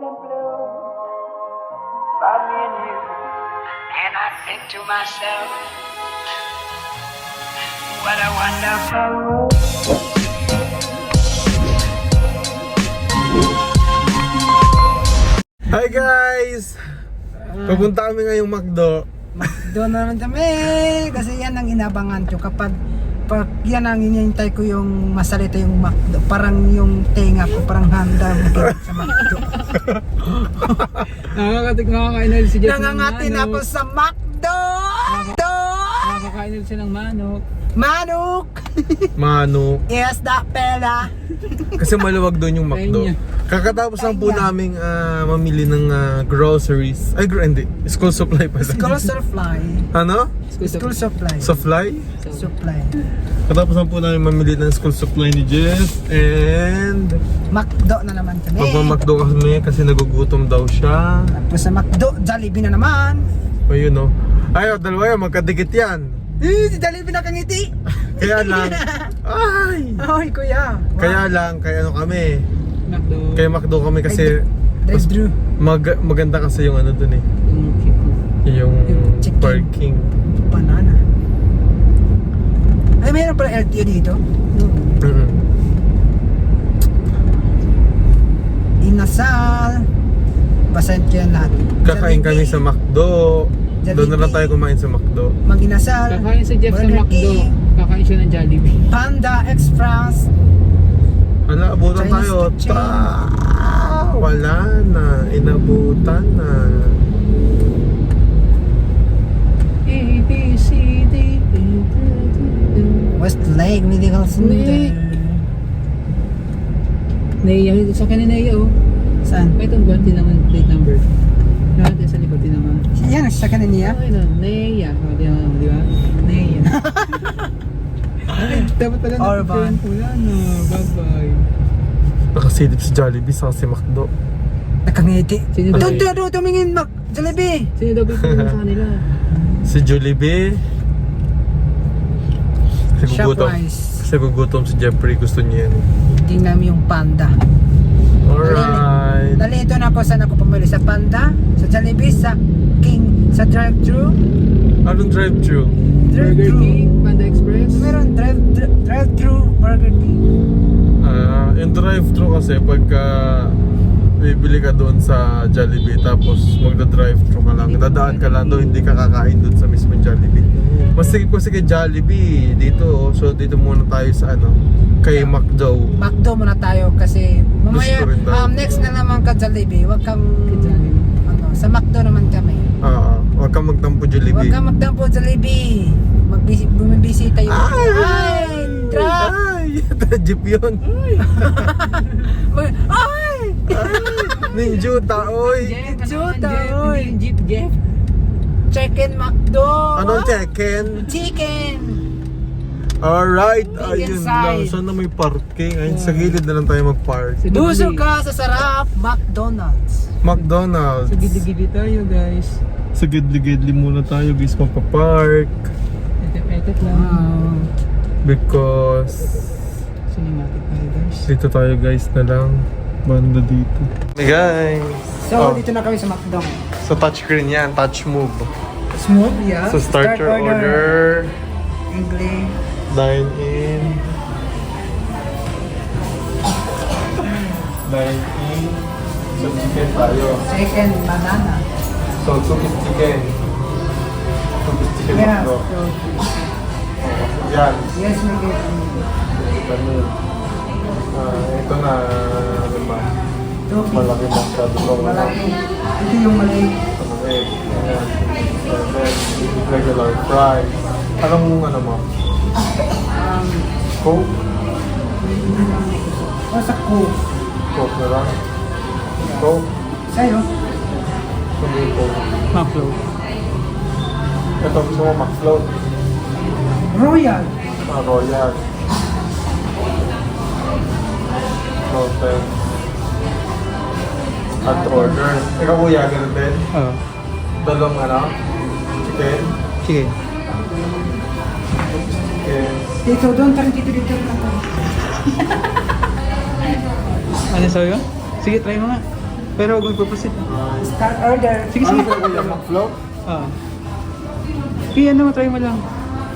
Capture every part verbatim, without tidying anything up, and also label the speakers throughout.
Speaker 1: and blue. Find me and you, and I think to myself, what a wonderful world.
Speaker 2: Hi guys! Pupunta kami ngayong McDo.
Speaker 3: Doon na naman kami kasi yan ang inabangan ko kapag pag yan ang inintay ko yung masalita yung McDo, parang yung tenga ko parang handa makinig sa McDo.
Speaker 4: Nakakatik nakakainal si Jeff ng
Speaker 3: Nangangatin
Speaker 4: manok.
Speaker 3: ako sa McDo! McDo!
Speaker 4: Nakakainal siya ng manok.
Speaker 3: Manok!
Speaker 2: Mano.
Speaker 3: Yes, that pela!
Speaker 2: Kasi maluwag doon yung McDo.
Speaker 4: Kanya.
Speaker 2: Kakatapos lang po
Speaker 3: Kanya.
Speaker 2: naming ah, mamili ng ah, groceries. Ay, gro- hindi. School supply pala.
Speaker 3: School supply.
Speaker 2: Ano?
Speaker 3: School supply.
Speaker 2: Supply?
Speaker 3: Supply.
Speaker 2: Katapos lang po namin mamili ng school supply ni Jeff. And
Speaker 3: McDo na naman kami.
Speaker 2: magmamakdo kami kasi nagugutom daw siya.
Speaker 3: Tapos sa McDo, Jollibee na naman.
Speaker 2: Ayun o. Ayaw, dalawa yan. Magkadikit yan.
Speaker 3: Eh, si Jollibee nakangiti.
Speaker 2: Kaya lang. Ay!
Speaker 3: Ay, kuya. Wow.
Speaker 2: Kaya lang, kaya ano kami.
Speaker 4: McDo.
Speaker 2: Kaya McDo kami kasi mas
Speaker 3: Drive-thru.
Speaker 2: mag maganda kasi yung ano dun eh.
Speaker 4: Yung chicken.
Speaker 2: Yung
Speaker 3: Yung chicken.
Speaker 2: parking.
Speaker 3: Banana. Ay, mayroon pala L T O dito.
Speaker 2: Mm-mm.
Speaker 3: Inasal. Basahin ko yan lahat.
Speaker 2: Kakain kami sa McDo. Doon na lang tayo kumain sa McDo.
Speaker 3: Mag-inasal.
Speaker 4: Kakain si Jeff sa
Speaker 3: Burger
Speaker 4: McDo.
Speaker 3: King,
Speaker 4: Kakain siya ng Jollibee.
Speaker 3: Panda Express.
Speaker 2: Ala, abutan
Speaker 3: Chinese
Speaker 2: tayo.
Speaker 3: kitchen.
Speaker 2: Ta wala na. Inabutan na.
Speaker 4: A, B, C, D, E,
Speaker 3: Westlake Medical Center.
Speaker 4: Naiya, sa akin ni Naiya oh.
Speaker 3: Saan?
Speaker 4: May itong buwan, tinaman plate number. Lahat sa likod, tinaman.
Speaker 3: Yan, sa kanin niya.
Speaker 4: Okay na, Naiya. O, tinaman mo, di ba? Naiya. Ay, dapat pala
Speaker 3: Orban.
Speaker 4: na-friend ko yan. Oh. Bye-bye.
Speaker 2: Nakasilip si Jollibee sa si McDo.
Speaker 3: Nakangiti.
Speaker 4: Sino daw?
Speaker 3: Doon, doon, doon, tumingin, Mac. Jollibee.
Speaker 4: Sino daw ba yung sa kanila?
Speaker 2: Si Jollibee. Kasi gugutom.
Speaker 3: Shopwise.
Speaker 2: Kasi gugutom si Jeffrey. Gusto niya yan.
Speaker 3: Tingnan mo yung panda.
Speaker 2: Alright.
Speaker 3: Dali, ito na ako. Saan ako pumili? Sa Panda? Sa Jollibee? Sa King? Sa drive-thru?
Speaker 2: Anong drive-thru?
Speaker 4: Burger
Speaker 3: Drive-thru.
Speaker 4: King, Panda Express.
Speaker 3: Meron drive, dri- drive-thru Burger King.
Speaker 2: Ah, yung drive-thru kasi pagka bibili ka doon sa Jollibee tapos magda-drive-thru ka lang, dadaan ka lang doon, hindi ka kakain doon sa mismong Jollibee. Mas sige po sige Jollibee dito, so dito muna tayo sa ano, kay McDo.
Speaker 3: McDo muna tayo kasi mamaya,
Speaker 2: Gusto rin daw.
Speaker 3: um, next na naman ka Jollibee. Huwag kang,
Speaker 4: Kay Jollibee.
Speaker 3: ano, sa McDo naman kami.
Speaker 2: Ah, huwag kang magtampo
Speaker 3: Huwag
Speaker 2: Jollibee.
Speaker 3: kang magdampo Jollibee. Magbisi, bumibisita yung...
Speaker 2: Ay!
Speaker 3: Ay! Truck!
Speaker 2: Ay! Jeep yun.
Speaker 3: Mag- Ay!
Speaker 2: Ninjuta, oy!
Speaker 4: Jeff, ano
Speaker 3: Juta,
Speaker 4: naman, Jeff?
Speaker 3: oy.
Speaker 4: Hindi yung Jeep, Jeff.
Speaker 3: Chicken McDo!
Speaker 2: Anong chicken?
Speaker 3: Chicken!
Speaker 2: Alright,
Speaker 3: Big
Speaker 2: ayun
Speaker 3: inside.
Speaker 2: lang. Sana may parking. Ayun, sa gilid na lang tayo mag-park.
Speaker 4: Sa
Speaker 3: Busog
Speaker 4: gilid-
Speaker 3: ka sa sarap McDonald's.
Speaker 2: McDonald's.
Speaker 4: Sa gilid-gilid tayo guys.
Speaker 2: Sa gidli-gidli muna tayo guys magpa-park.
Speaker 4: Etet-etet lang.
Speaker 3: Wow.
Speaker 2: Because
Speaker 4: Cinematic tayo guys.
Speaker 2: dito tayo guys na lang. Banda dito. Hey guys!
Speaker 3: So,
Speaker 2: Oh,
Speaker 3: dito na kami sa McDo.
Speaker 2: so touchscreen yan, touch move.
Speaker 3: Smooth, yeah.
Speaker 2: So start, your order.
Speaker 3: English.
Speaker 2: Dine in. Dine in. So chicken tayo.
Speaker 3: Chicken banana.
Speaker 2: So two piece chicken. Two piece chicken
Speaker 3: Yeah.
Speaker 2: McDo.
Speaker 3: So,
Speaker 2: Yan.
Speaker 3: yes, we get
Speaker 2: Ganun. Ah, ito na, ano ba?
Speaker 3: two
Speaker 2: Malaki masyado to.
Speaker 3: malaki. Ito yung maliit.
Speaker 2: Ano egg. Ayan. And then, regular fries. Anong ano mo?
Speaker 3: Um,
Speaker 2: Coke?
Speaker 3: o sa Coke.
Speaker 2: Coke na lang? Coke?
Speaker 3: Sa'yo?
Speaker 2: Hindi Coke.
Speaker 4: Macflow.
Speaker 2: Ito gusto mo McFloat.
Speaker 3: Royal.
Speaker 2: Ah, Royal. Floated. At order. Ikaw kuya, ganun din?
Speaker 4: Oo.
Speaker 2: Dalawang ano? Chicken?
Speaker 4: Sige.
Speaker 2: Chicken.
Speaker 3: Dito, doon tayo dito dito.
Speaker 4: Ano sa'yo? Sige, try mo nga. Pero huwag magpapasit.
Speaker 3: Start order.
Speaker 4: Sige, sige.
Speaker 2: Flow?
Speaker 4: Ah. Kaya ano, try mo lang.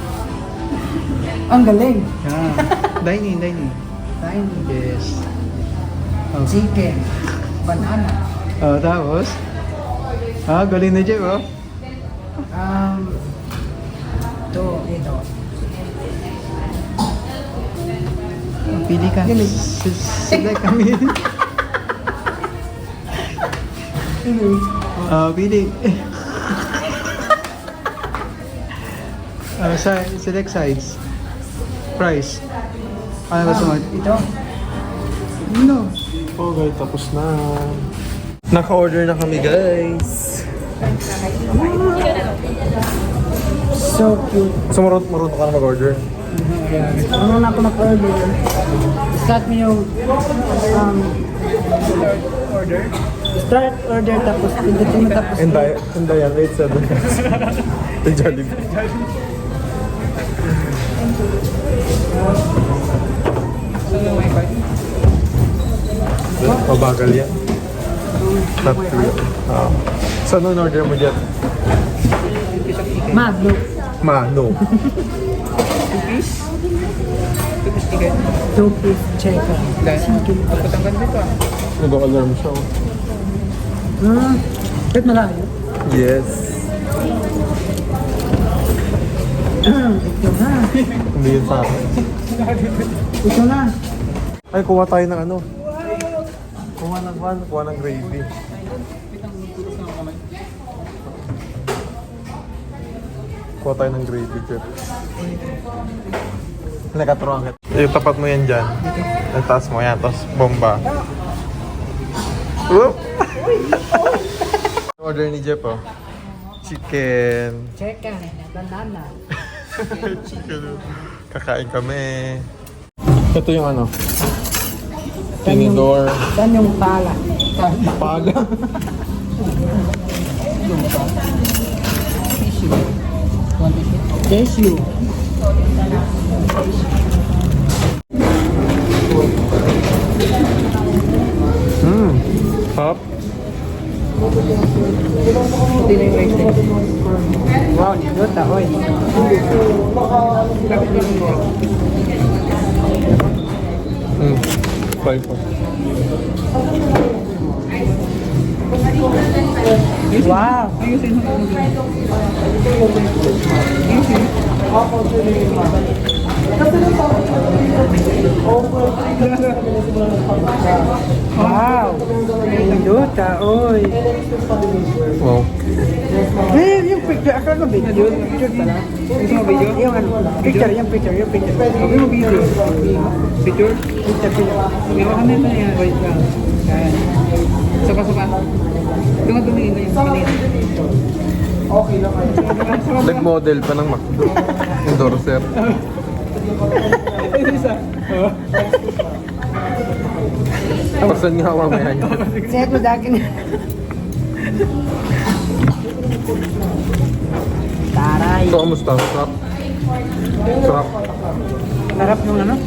Speaker 3: Ang galing.
Speaker 4: Ah. Dining, dining.
Speaker 3: Dining.
Speaker 4: Yes. Oh.
Speaker 3: Chicken. Banana.
Speaker 4: Oh, tapos? Ah, galing na Jeff, oh.
Speaker 3: Um, ito, ito.
Speaker 4: Pili ka.
Speaker 3: Galing.
Speaker 4: S- Select kami. Ah, pili. Ah, si- select sides. Price. Ano gusto mo?
Speaker 3: Ito.
Speaker 4: No.
Speaker 2: Okay, tapos na. Naka-order na kami, guys.
Speaker 3: So cute.
Speaker 2: So, marunong marunong ka na mag-order?
Speaker 3: Ano na ako mag-order? Start mo yung um,
Speaker 4: Order?
Speaker 3: start order tapos pindutin mo tapos
Speaker 2: Hindi, hindi yan. eight seven. Yung Jollibee.
Speaker 4: Saan yung wifi?
Speaker 2: Mabagal yan. Not true. Ah. So, anong order mo dyan?
Speaker 3: Magno.
Speaker 2: Mano.
Speaker 4: Two piece? Two piece ticket?
Speaker 3: Two piece chicken.
Speaker 4: Dahil, dapat ang ganda dito ah.
Speaker 2: Nag-alarm siya. oh.
Speaker 3: Hmm. Kahit malayo.
Speaker 2: Yes.
Speaker 3: Ito na.
Speaker 2: Hindi yun sa akin.
Speaker 3: Ito na.
Speaker 2: Ay, kuha tayo ng ano. Kuha ng one, kuha ng gravy. Kuha tayo ng gravy, Jeff. Nakatruang kita. Yung tapat mo yan dyan. Yung taas mo yan, tapos bomba. Whoop! Order ni Jeff, oh. Chicken.
Speaker 3: Chicken. Banana.
Speaker 2: Chicken. Kakain kami. Ito yung ano.
Speaker 3: Saan yung-
Speaker 2: Tinidor.
Speaker 3: Saan yung pala?
Speaker 2: Paga.
Speaker 3: Tissue.
Speaker 2: Hmm. Hop.
Speaker 4: Hindi na yung rice na yun.
Speaker 3: Wow, niluta. Oy.
Speaker 4: Lapit din mo.
Speaker 2: Hmm. Five po.
Speaker 3: Wow.
Speaker 4: Ayusin mo.
Speaker 3: Wow. Niluta. Oy.
Speaker 2: Wow.
Speaker 3: Eh, yung picture. Akala ko video. Picture pala.
Speaker 4: Gusto mo video?
Speaker 3: Yung ano. Picture, yung picture, yung picture.
Speaker 4: Sabi mo video. Picture?
Speaker 3: Picture, picture.
Speaker 4: May baka na ito yan. Wait lang. Yan. Saka, saka. Doon ka tumingin na yung kanina.
Speaker 2: Nag-model pa ng McDo. Endorser.
Speaker 4: Ito isa. Oh.
Speaker 2: Pasan nga mamaya niya.
Speaker 3: Set mo dakin. Taray.
Speaker 2: Ito, kamusta? Sarap. Sarap.
Speaker 3: Sarap nung ano?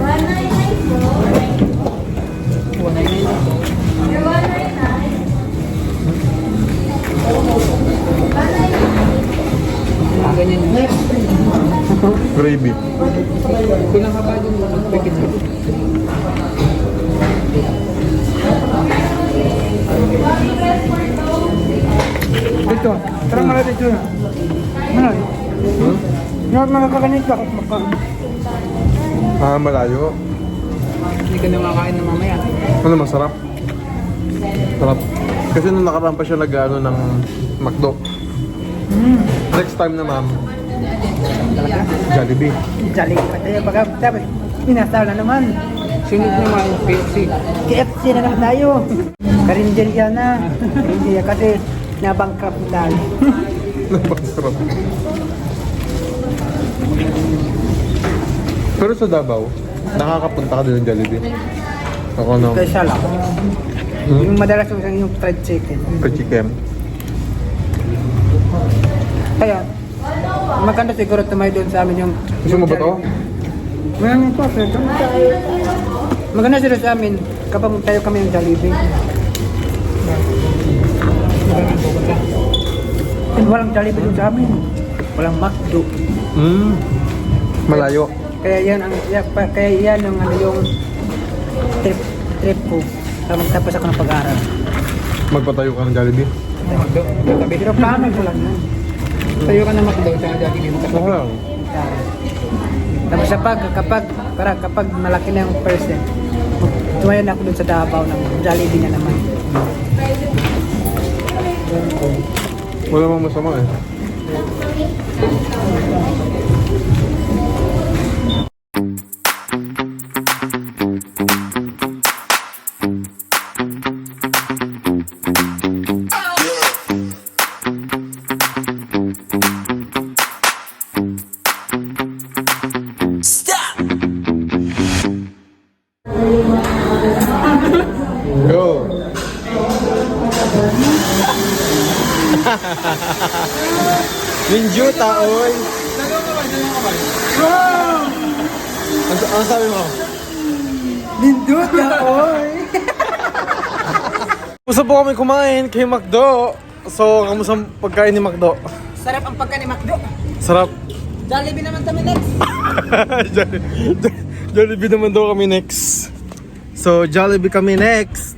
Speaker 4: Ah, ganyan yun.
Speaker 2: Gravy.
Speaker 4: Kulang ka pa dun. Pagkit ka.
Speaker 3: Dito. Tara mara dito. Ano?
Speaker 2: Hmm?
Speaker 3: Yung mga kakanit bakit maka...
Speaker 2: Ah, malayo.
Speaker 4: Hindi ka na makakain na mamaya.
Speaker 2: Ano, masarap? Sarap. Kasi nung nakaraan pa siya nag-ano ng McDo.
Speaker 3: Hmm.
Speaker 2: Next time na, ma'am. Jollibee.
Speaker 3: Jolly pa tayo. Baka tapos pinasal na naman.
Speaker 4: Sunod naman, K F C.
Speaker 3: K F C na naman tayo. Karinderya na. Karinderya kasi nabangkrap tayo.
Speaker 2: Napakasarap. Pero sa Davao, nakakapunta ka din ng Jollibee. Ako no.
Speaker 3: Kaysa lang.
Speaker 2: Hmm?
Speaker 3: Yung madalas yung yung fried chicken.
Speaker 2: Chicken.
Speaker 3: Kaya, maganda siguro tumayo doon sa amin yung...
Speaker 2: Gusto mo ba to?
Speaker 3: Maraming po, sir. Maganda siguro sa amin kapag tayo kami yung Jollibee. Walang Jollibee doon sa amin. Walang McDo.
Speaker 2: Hmm. Malayo.
Speaker 3: Kaya yan ang ya, pa- kaya yan ang ano yung trip trip ko. Tapos tapos ako ng pag-aaral.
Speaker 2: Magpatayo ka ng Jollibee.
Speaker 4: McDo. Katabi.
Speaker 3: Pero plano ko lang yan.
Speaker 4: Tayo ka na McDo sa Jollibee mo
Speaker 2: Oo
Speaker 4: katabi.
Speaker 2: lang.
Speaker 3: Tapos kapag kapag para kapag malaki na yung person, tumayo na ako dun sa Davao ng Jollibee na naman.
Speaker 2: Wala mang masama eh. Go! Minjuta, oy! Ano, ano sabi mo?
Speaker 3: Lindot na oy.
Speaker 2: Gusto po kami kumain kay McDo. So, kamusta ang pagkain ni McDo?
Speaker 3: Sarap ang pagka ni McDo.
Speaker 2: Sarap.
Speaker 3: Jollibee naman kami next.
Speaker 2: Jolli- Jo- Jollibee naman daw kami next. So, Jollibee kami next.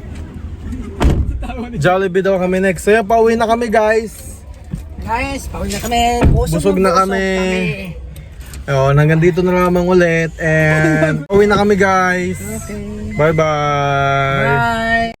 Speaker 2: Jollibee daw kami next. So, yan, pauwi na kami, guys.
Speaker 3: Guys, pauwi na kami. Busog,
Speaker 2: Busog na kami. Oh, hanggang dito na lamang ulit. And, pauwi na kami, guys.
Speaker 3: Okay.
Speaker 2: Bye-bye.
Speaker 3: Bye.